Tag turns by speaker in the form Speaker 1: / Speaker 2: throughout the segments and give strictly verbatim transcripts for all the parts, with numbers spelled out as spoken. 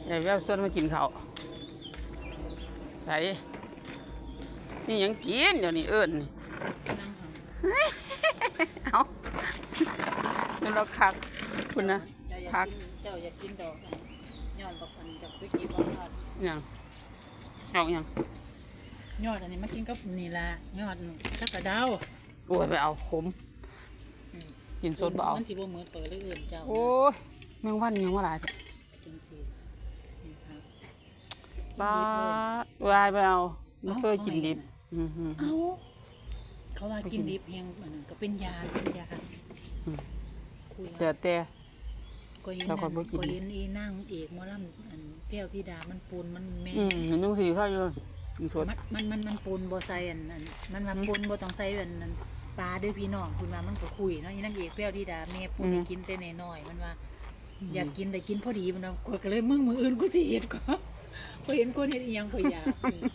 Speaker 1: ยายแววส่วนมากินข้าวไหนนี่ยังกินเดี๋ยวนี้เอิญเอาเดี๋ยวเราคักคุณนะคัก
Speaker 2: เจ้าอยากกินดอกย้อนบอกมันจากวิกิบอกยอด
Speaker 1: ยังเอายัง
Speaker 2: ยอดอันนี้มากินกับนี่ละยอดสักกระเดา
Speaker 1: โอ้ยไปเอาขมกินสดเบา
Speaker 2: มันสิบ่มือเปิดเลยอื่นเจ้า
Speaker 1: โอ้ยแมงวันยังว่าหลาย
Speaker 2: จังสิ
Speaker 1: บ้าวายไปเอาไม่เคยกินดิบ
Speaker 2: เอาเขาว่ากินดิบแห้งก็เป็นยาเป็นยา
Speaker 1: แต่แต่
Speaker 2: ก็เห็นก็เห็นอีนั่งเอกมอลำอันแก้วที่ดามันปูนมันแม่
Speaker 1: อืมเห็นจังสีข้าวอยู่สด
Speaker 2: มันมันมันปูนบ่ใส่อันนั้นมันมันปูนบ่ต้องใส่อันนั้นปลาด้วยพี่น้องคุณว่ามันก็คุยเนาะอีนั่งเอกแก้วที่ดาแม่ปูนกินแต่น้อยมันว่าอยากกินแต่กินพอดีมันว่าก็เลยมึงมืออื่นกูสิเฮ็ดก็พอเห็นคนเฮ็ดอีหยังพออยาก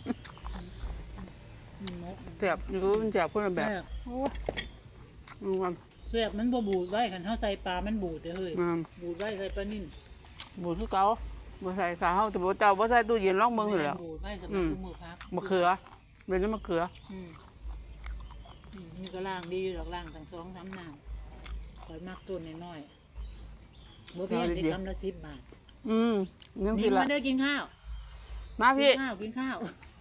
Speaker 1: เสียบรู้มันเสียบคนละแบบโอ้ย
Speaker 2: เสียบมันบ่บูดไว้คันเฮาใส่ปลามันบูดเด้อเฮ้ยบูดไว้ใส่ปลานิ่น
Speaker 1: บูดคือเก่าบ่ใส่ขาเฮาแต่บ่เจ้าบ่ใส่ตู้เย็นลองเบิ่งนี่แหละ
Speaker 2: บูดไว้สำหรับมือพัก
Speaker 1: มะเขือเป็นมะเขือ
Speaker 2: อืมนี่ก็ล้างดีอยู่ดอกล้างทั้งสองสามน้ำข่อยมักต้นน้อยๆบ่แพงได้กำละสิบบาท
Speaker 1: อืมจังซี่ล่ะ
Speaker 2: มาเด้อกินข้าว
Speaker 1: มาพี่
Speaker 2: กินข้าวกินข้าว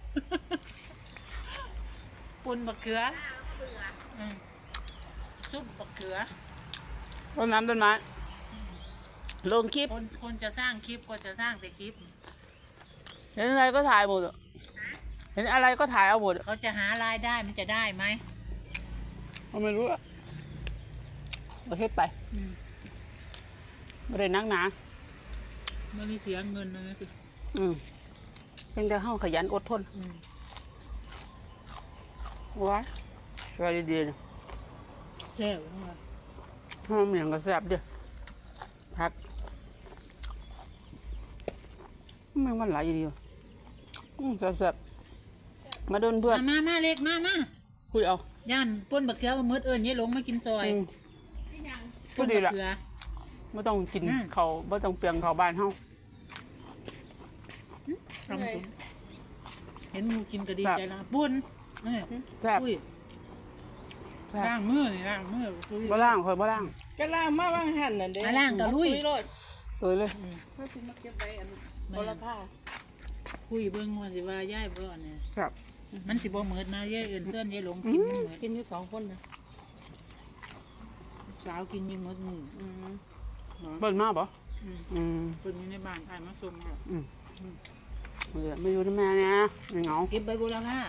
Speaker 2: ปุ่นมะเขืออืมซุปมะเขือ
Speaker 1: ต้นน้ำต้นไม้ลงคลิป
Speaker 2: คนคนจะสร้างคลิปก็จะสร้างแต่คลิป
Speaker 1: เห็นอะไรก็ถ่ายหมดเห็นอะไรก็ถ่ายเอาหมด
Speaker 2: เขาจะหารายได้มันจะได้ไหม
Speaker 1: เราไม่รู้อะประเทศไปไม่ได้นักหนา
Speaker 2: ไม่ได้เสียเงินนะคือ
Speaker 1: อืมเป็นแต่ห้องขยันอดทนว้าสวยดีๆนะ
Speaker 2: แซ่บมาก
Speaker 1: ห้องเหมียงก็แซ่บดิพักมันมันหลายดีอืมแซ่บๆมาโดนเพื่อน
Speaker 2: มามาเล็กมามา
Speaker 1: คุยเอา
Speaker 2: ย่านป้นบักเขือมามืดเอิญยี่หลงมากินซอย
Speaker 1: ก็ดีละไม่ต้องกินเขาไม่ต้องเปลียงเขาบ้านเฮา
Speaker 2: เห็นมูกินก็ดีใจละปุ้น
Speaker 1: แซ่บ
Speaker 2: ล้างมือนี่ล้างมือ
Speaker 1: บ่ล่างคอยบ่ล่าง
Speaker 3: ก็ล่างมาบางหันนั่นเด้
Speaker 2: ล้างก็ลุย
Speaker 1: สวยเลย
Speaker 3: เพื่อที่มาเก็บไว้อันโบราณผ้า
Speaker 2: คุยเบิ้งว่าสิว่าย่ายบ่เนี่ย
Speaker 1: ครับ
Speaker 2: มันสิบ่เหมือนนะย่ายอื่นเส้นย่ายหลงกินมันเหมือน
Speaker 3: กินที่สองคนนะ
Speaker 2: สาวกินยิ่งมืดมือ
Speaker 1: เบิ้ลมาบ่
Speaker 2: อืมเปิ้นอยู่ในบ้านถ่ายมาส่งแล้ว
Speaker 1: อืมเออไม่อยู่ที่แม่เนี่ยไม่เหงา
Speaker 2: เก็บใบโบราณผ้า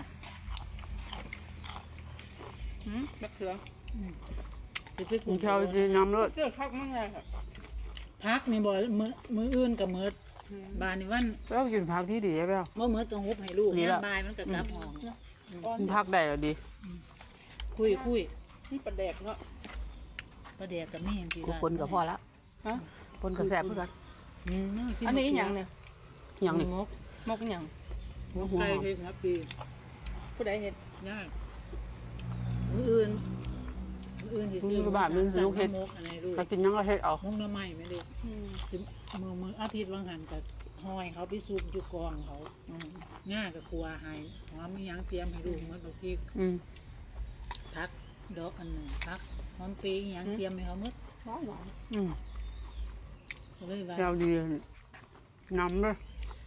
Speaker 3: หืมมะเขือ
Speaker 2: จะไป
Speaker 1: กินข้าวดีน้ำเลือด
Speaker 3: เสื้อคักมั่งเลยค่ะ
Speaker 2: พักนี่บ่มือมืออื่นกับมืดบานนี่วัน
Speaker 1: แล้วกินผักที่ดีใช่ไหม
Speaker 2: ว่ามืดต้องฮุบให้ลูกเนี่ยบายมันกับกลับห้อง
Speaker 1: กินผักได้หรอดี
Speaker 2: คุยคุย
Speaker 3: นี่ปลาแดกเนาะ
Speaker 2: ปลาแดกกับนี่จริง
Speaker 1: ๆคนกับพ่อละฮะคนกับแซ่บเพื่อน
Speaker 3: อันนี้อย่างเนี่ย
Speaker 1: อย่างนี้
Speaker 2: มก
Speaker 3: มกอย่าง
Speaker 2: มกไก่เห็ดครับปี
Speaker 3: ผู้ใดเห็ด
Speaker 2: ยากมืออื่นมืออื่นที่ซื้อ
Speaker 1: บ้านมันซื้อเห็ดถ้ากินยังก็เห็ดเอา
Speaker 2: มกน้ำใหม่ไม่ได้ซื้อมือมืออาทิตย์วังหันกับหอยเขาไปซุปอยู่กองเขาง่ายกับครัวหายหอมมียังเตรียมให้ดูเหมือนบางทีพักดอกอันหนึ่งพักหอมปียังเตรียมให้เขาเมื่อ
Speaker 3: หวานหวาน
Speaker 1: อืมเจ้าดีน้ำเลย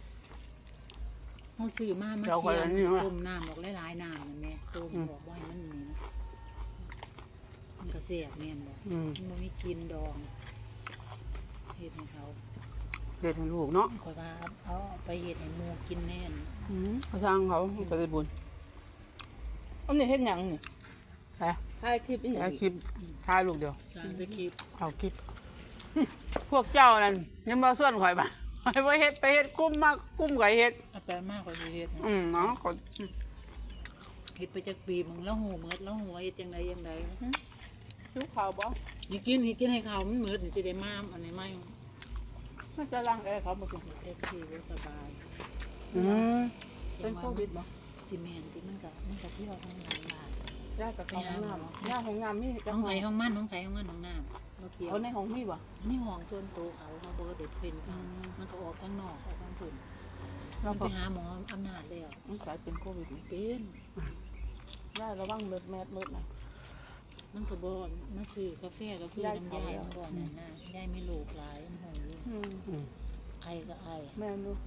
Speaker 2: เขาซื้อมามาเคี่ยวต้มน้ำบอกหลายๆน้ำนะแม่ต้มบอกว่ามันนี่นะมันก็เสียบแม่นบอกมันไม่กินดองเห็ดให้เขา
Speaker 1: เห็ดให้ลูกเนาะ
Speaker 2: คอยว่าเอาไปเห็ดให้หมูกินแน่น
Speaker 1: เขาสร้างเขาก็ได้บุญ
Speaker 3: อันนี้เห็ดหยังนี่
Speaker 1: ไป
Speaker 3: ถ่ายคลิปอีก
Speaker 1: ถ่ายคลิปถ่ายลูกเดียว
Speaker 2: ถ่ายคลิป
Speaker 1: เอาคลิปพวกเจ้านั่นยังมาส่วนข่อยบ้าไปไปเฮ็ดไปเฮ็ดกุ้มมากกุ้มไก่เฮ็ด
Speaker 2: เอาแปลมากกว่าเฮ็ด
Speaker 1: อืมเนาะก็
Speaker 2: เฮ็ดไปจากปีมึงแล้วหูเมือดแล้วหัวเฮ็ดจังไดยังได
Speaker 3: ลูกข่าวบ่
Speaker 2: นี่กินนี่กินให้เขามันเมือดนี่สิได้มาอันนี้ไม่
Speaker 3: น่าจะล้างแอร์เขาบ่กิน
Speaker 2: แท็กซี่บ่สบาย
Speaker 1: อืม
Speaker 3: เป็นโควิดบ่
Speaker 2: ซีเมนต์ที่มันก็มันก็เที่ยวทางหลังบ้าน
Speaker 3: ย่ากับเขาห้องน้ำย่าห้องน้ำมี
Speaker 2: ห้องใส่ห้องมันห้องใส่ห้องมันห้องน้ำเราเกี่ยว
Speaker 3: เขาในห้องมีบ่
Speaker 2: นี่ห้องจนโตเขาเขาเบอร์เด็ดเป็นเขามันก็ออกข้างนอกออกข้างถุน
Speaker 3: เรา
Speaker 2: มัน
Speaker 3: บ
Speaker 2: ไป
Speaker 3: อก
Speaker 2: หาหมออำนาจแล้ว
Speaker 3: มันกลายเป็นโควิด
Speaker 2: เป็น
Speaker 3: ย่าระวังเลือดแมสเลือดนะ
Speaker 2: มันก็บอนมาซื้อกาแฟกับเพื่อนน้ำยายมันก่อนนั่นน่ะยายมีลูกหลายมันหงลูก
Speaker 3: อืม
Speaker 1: อืม
Speaker 2: ไอก็ไอ
Speaker 3: แม่ดู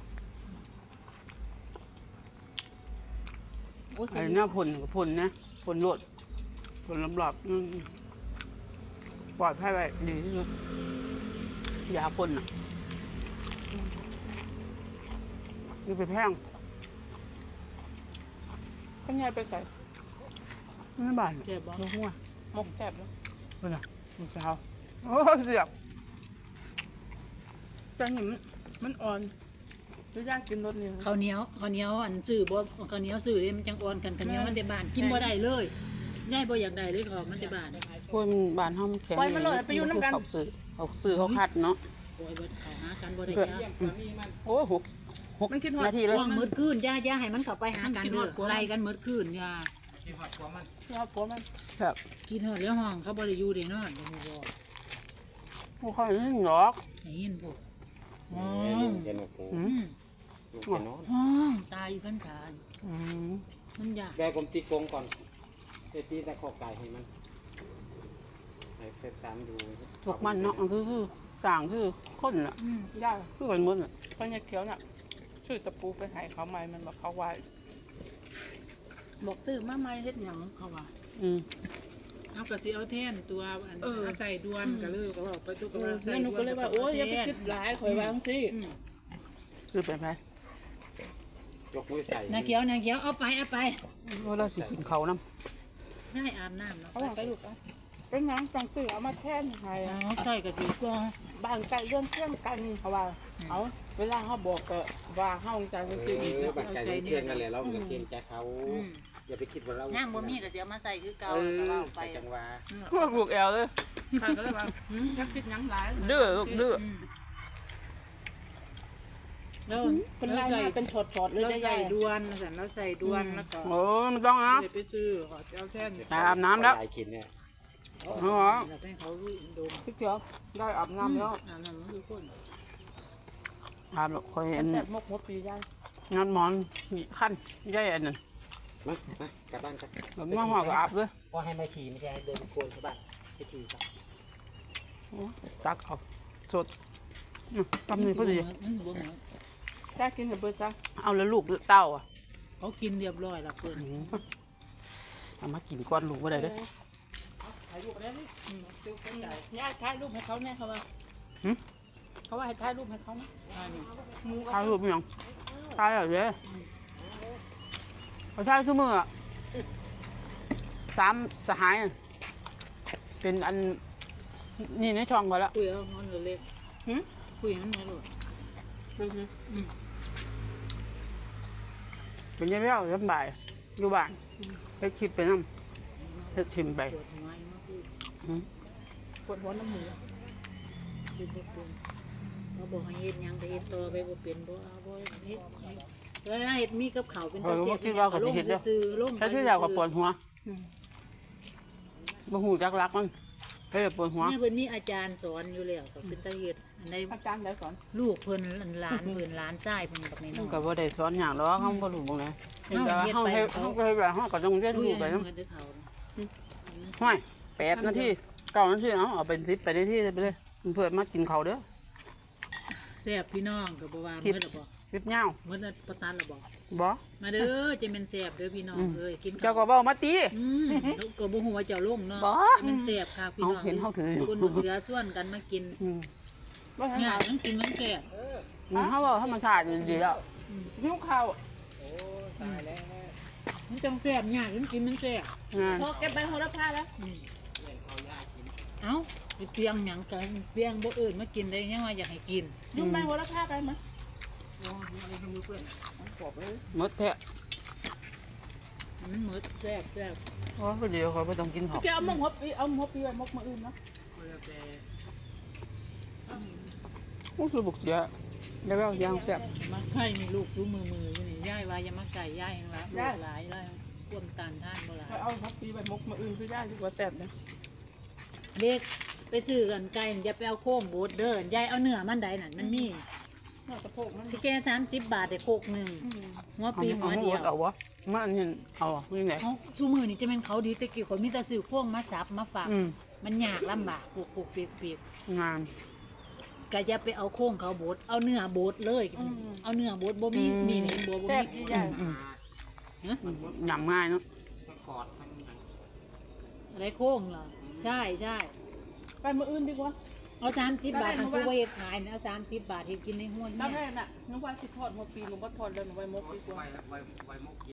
Speaker 3: โอ้ย
Speaker 1: ไอ้หน้าผลกับผลนะผลโลดผลลำหลับอืมปลอดภัยไว้ดีที่สุดยาพ่นอ่ะนี่ไปแพง
Speaker 3: ข้างในไปใส่
Speaker 1: ไม่บาน
Speaker 2: เจ็บบ่
Speaker 1: ลูกหัว
Speaker 3: หมกแสบแล้ว
Speaker 1: เป็นไงลูกสาวโอ้เสียบ
Speaker 3: จังหนิมันมันอ่อนหรือย่างกินรสนี่
Speaker 2: ข้าวเหนียวข้าวเหนียวอันซื้อบ่ข้าวเหนียวซื้อเลยมันจังอ่อนกันข้าวเหนียวมันแต่บ้านกินบ่ได้เลยยายบ่อยากได้เลยของมันแต่บ้าน
Speaker 1: พวกบานห้องแข็ง
Speaker 3: ปล่อยมันเลยไปอยู่น้ำกัน
Speaker 1: เขาซื้อเขาซื้อเขาคัดเนาะ
Speaker 2: โอ้ยบ่เขาหากันบ่ได้
Speaker 1: เกิด
Speaker 2: จ้า
Speaker 1: โอ้หกหก
Speaker 3: มันคิดฮอด
Speaker 1: นาทีเลย
Speaker 2: ว่างมืดคืนย่าย่าให้มันเข้าไปหากันเด้อไล่กันมืดคืนย่า
Speaker 3: เราผัวมัน
Speaker 1: ครับ
Speaker 2: กินเถอะแล้วห้องเขาบ่ได้อยู่ได้นอนบ่ฮู้บ่
Speaker 1: พวกเขาไม่หรอก
Speaker 2: ได้ยินพวกห้อ
Speaker 4: แม่ลุ
Speaker 2: ง
Speaker 4: งแกนกหู
Speaker 1: อื
Speaker 2: อื
Speaker 1: ม
Speaker 2: ม
Speaker 4: ลุงแกนอน
Speaker 2: ห้องตายอยู่ข้างทาง
Speaker 1: อืม
Speaker 2: มันยาก
Speaker 4: แม่ผมตีกรงก่อนไปตีตะขอไก่ให้มันให้เฟซตามดู
Speaker 1: พวกมันเนาะคือคือสั่งคือคนน่ะ
Speaker 2: อืม
Speaker 3: ย่า
Speaker 1: คือคนหมดน่ะ
Speaker 3: เขาเนี่ยเขียวน่ะซื้อตะปูไปให้เขาใหม่มันบอกเขาไว้บอกซื้อมาใหม่เฮ็ดหยังเขาว่า
Speaker 1: อืม
Speaker 2: เอาก็สิเอาแทนตัวอัน
Speaker 3: เออ
Speaker 2: เอาใส่ดวนก็เลยก็บอกไปตัวก็
Speaker 3: เอ
Speaker 2: ว่า
Speaker 3: อ
Speaker 2: ใส่
Speaker 3: แล้วหนูก็เลยว่าโอ้ยอย่าไปคิดหลายข่อยว่าจังซี่
Speaker 2: อืม
Speaker 1: คือไปไป
Speaker 4: ยกมือใส่
Speaker 2: นาเขียวนาเขียวเอาไปเอาไป
Speaker 1: ว่าเราสิกินเขาวน้
Speaker 2: ได้อาบน้ำเนาะ
Speaker 3: เขาว่าไปลูกอ่ะเป็นหยังจังซื้อเอามาแทนให้
Speaker 2: เอาใส่ก็สิกว่า
Speaker 3: บ้านใกล้เรื่องเที่ยงกันเขาว่าเอาเวลาเขาบอกก็ว่าเฮาจัง
Speaker 4: เอ
Speaker 3: ซื้ออีก
Speaker 4: อบัตรใจเที่ยงนั่นแหละเราเกรงใจเขา
Speaker 2: อืม
Speaker 4: อย่าไปคิดว่าเรา
Speaker 2: ย่างบ่มีก็สิเอามาใส่คือเก่า
Speaker 4: เอ
Speaker 2: แล้วก็
Speaker 4: อ
Speaker 2: เอาไป
Speaker 4: ไปจังหวะ
Speaker 1: ำพวกลูกแอลเลย
Speaker 3: ข้าก็เลยว่าอย่าคิดหยังหลาย
Speaker 1: ดื้อลูกดื้อ
Speaker 2: อืมแล้ว
Speaker 3: เป็น
Speaker 2: แล้
Speaker 3: ลา
Speaker 2: วย ใส่
Speaker 3: มาเป็นถอดๆเลย
Speaker 2: เรา
Speaker 3: ได้
Speaker 2: ใส่
Speaker 3: ยาย
Speaker 2: ดวนสั่นเราใส่ดวนแล้วก็
Speaker 1: โอ้ไม่ต้องนะ
Speaker 2: เดี๋ยวไปซื้อขอเอาแท่น
Speaker 1: อาบน้ำแล้ว
Speaker 4: หายขินเนี่ย
Speaker 1: อ๋อ
Speaker 2: แล้วให้เขาดม
Speaker 3: พี่เขียวได้อาบน้ำแล้ว
Speaker 2: อาบน้ำมันคือคน
Speaker 1: อาบหรอกคอยอัน
Speaker 3: แต่มกหัวปีได้
Speaker 1: งานหมอนนี่ขั้นใหญ่อันนั้น
Speaker 4: มามากลับบ้านกัน
Speaker 1: แบบมาหัวก็อาบเลย
Speaker 4: ว่าให้มาขี่ไม่ใช่ให้เดินโคนเข้าบ้านไปขี่ครับ
Speaker 1: โอ้ตักเอาสดอืมทำนี่พอดี
Speaker 2: มันบ่เหมือน
Speaker 3: แค่กินกับเบิร์จ้า
Speaker 1: เอาแล้วลูกเต้าอ่ะ
Speaker 2: เขากินเรียบร้อยแล้วเพิ่น
Speaker 1: อืมเอามากินก้อนลูกไ่ได้เด้อ
Speaker 3: ถ่ายรูปแล้วนี่ดูเป็นใหญ่ย่าถ่ายรูปให้เขาแน่เขาว่า
Speaker 1: หึ
Speaker 3: เขาว่าให้ถ่ายรูปให้เขานะ
Speaker 2: อันนี้
Speaker 3: หมู
Speaker 1: ทายรูปยังทายอะไรเด้อเขาทายทุกมืออะสามสหายอะเป็นอันนี่ในช่องเขาแล้ว
Speaker 2: คุยเอามันเล็ก
Speaker 3: หึ
Speaker 2: คุยมันไม่รู้
Speaker 3: ดูสิ
Speaker 1: เป็นยังไงเอาสบายอยู่บ้านไปคิดไปน้ำไปชิมไป
Speaker 2: ปวดหัวอีมาพูด
Speaker 1: อืม
Speaker 3: ปวดหัวน้ำหมู
Speaker 2: เป็นบ่เป็นเขาบอกให้เฮ็ดหยังก็เฮ็ดต่อไปบ่เป็นบ่เอาบ่เฮ็ดเวลาเฮ็ดมีกับข้าวเป็นตาเสียบลงซื่อๆลง
Speaker 1: ใช้ที่เรากับปวดหัวบ่หูจักรักมันเฮ้ยปวดหัว
Speaker 2: แม่เพิ่นมีอาจารย์สอนอยู่แล้วก็เป็นตาเฮ็ดอันใด
Speaker 3: อาจารย์ได้สอน
Speaker 2: ลูกเพิ่นหลานเพิ่นหลานชายเพิ่นแบบนี้
Speaker 1: มัน
Speaker 2: เนาะ
Speaker 1: ก็บ่ได้สอนหยังหรอกเฮาบ่รู้บ่ไงเฮ็ด
Speaker 2: เฮา
Speaker 1: แต่
Speaker 2: เฮ็ด
Speaker 1: เฮา
Speaker 2: ไป
Speaker 1: เฮ็ด
Speaker 2: เขา
Speaker 1: เฮาก็เฮ็ดแบบเฮาก็ต้องเรียน
Speaker 2: คุย
Speaker 1: รู้ไป
Speaker 2: ให้
Speaker 1: นำ
Speaker 2: เงินด้วยเขา
Speaker 1: ห้วยแปดนาทีเก้านาทีเอาเอาเป็นสิบไปนาทีไปเลยเพื่อนมากินข้าวเด้อ
Speaker 2: แซ่บพี่น้องก็บ่ว่า
Speaker 1: คลิป
Speaker 2: มื้อละบ่
Speaker 1: คลิปยาว
Speaker 2: มื้อละประทานละบ่
Speaker 1: บ่
Speaker 2: มาเด้อจะเป็นแซ่บเด้อพี่น้องเอ้ยกินข้า
Speaker 1: เจ้าว ก็เว้ามาตี
Speaker 2: อืมแล้วก็บ่ฮู้ว่าเจ้าลงเนาะ
Speaker 1: บ่
Speaker 2: มันแซ่บค่ะพี่น้อง
Speaker 1: เอาเห็นเขาถืออยู่
Speaker 2: คนเหลือส่วนกันมากิน
Speaker 1: อืม
Speaker 3: ว่าให้
Speaker 2: ง่า
Speaker 3: หาย
Speaker 2: มันกินมันแก่บ
Speaker 1: อืมเฮาเว้าธรรมชาติดีแล้ว
Speaker 3: หิวข้าว
Speaker 2: มันจังแซ่บง่ายมันกินมันแซ่บ
Speaker 1: งาน
Speaker 3: พอเก็บใบโหระพาแล้ว
Speaker 2: เอ้าสิเปียงหยังกันเปียงบ่อื่นมากินได้ยังว่าอยากให้กิน
Speaker 3: ยุ่งใบโหระพาไปมั้ย
Speaker 1: หมดแท้
Speaker 2: มันหมดแซ่บแซ่บ
Speaker 1: เพราะว่าเดี๋ยวเขาบ่ต้องกินข้าว
Speaker 3: แกเอาหมกหัวปีเอาหมกหัวปีไว้หมกมาอื่นนะ
Speaker 1: โอ้คือบุกเสียแล้วก็ยางแซ่บ
Speaker 2: มาไข่มีลูกสู้มือมืออยู่นี่ยายว่าอย่ามาไก่ยายเองละลูกหลายแล้ว
Speaker 3: อ
Speaker 2: ความต้านทานบ่หลาย
Speaker 3: ไปเอามกปีไปมกมาอื่นคือได้ดีกว่าแซ่บนะ
Speaker 2: เด็กไปซื้อกันไก่อย่าไปเอาโค้งโบดเด้อยายเอาเนื้อมันใดนั่นมันมี
Speaker 3: น่าจะโพกมัน
Speaker 2: สิแกสามสิบบาทได้โคกหนึ่ง
Speaker 3: อืม
Speaker 2: หัว
Speaker 1: เอา
Speaker 2: ปี
Speaker 1: เอา
Speaker 2: หัว
Speaker 1: ให้
Speaker 2: เดี
Speaker 1: หม
Speaker 2: ย
Speaker 1: ด
Speaker 2: ว
Speaker 1: เอาวะมาอันนี้เอาอ่ะยังไง
Speaker 2: เขาชูมือนี่จะเป็นเขาดีแต่กี่คนมีแต่ซื้อโค้งมาสับมาฝาก
Speaker 1: อืม
Speaker 2: มันยากลำบากปลูกปลูกเปียกเปียก
Speaker 1: งาน
Speaker 2: ก็อย่าไปเอาโค้งเขาโบดเอาเนื้อโบดเลย เอาเนื้อโบดบ่มี
Speaker 1: อืม
Speaker 2: นี่นี่บ่บ่
Speaker 3: แซ่บ
Speaker 2: มี
Speaker 3: ดีใหญ่
Speaker 1: อืม
Speaker 2: ฮะ
Speaker 1: ยำง่ายเนาะ
Speaker 4: ทั้งกอดทั้งหนัง
Speaker 2: อะไรโค้งเหรอใช่ใช่
Speaker 3: ไปมาอื่นดีกว่า
Speaker 2: เอาสามสิบบาท
Speaker 3: ได้
Speaker 2: ทาง
Speaker 3: ได้
Speaker 2: ชูเวทขายนะเอาสามสิบบาทเห็ดกินในห้วน
Speaker 3: ตอน
Speaker 2: เนี่
Speaker 3: แร
Speaker 2: ย
Speaker 3: กน่ะนึกว่าสิทอดมกปีหนูบ่ทอดแล้วหนูไปมกดีกว่า
Speaker 4: ไว้ไว้ไว้มก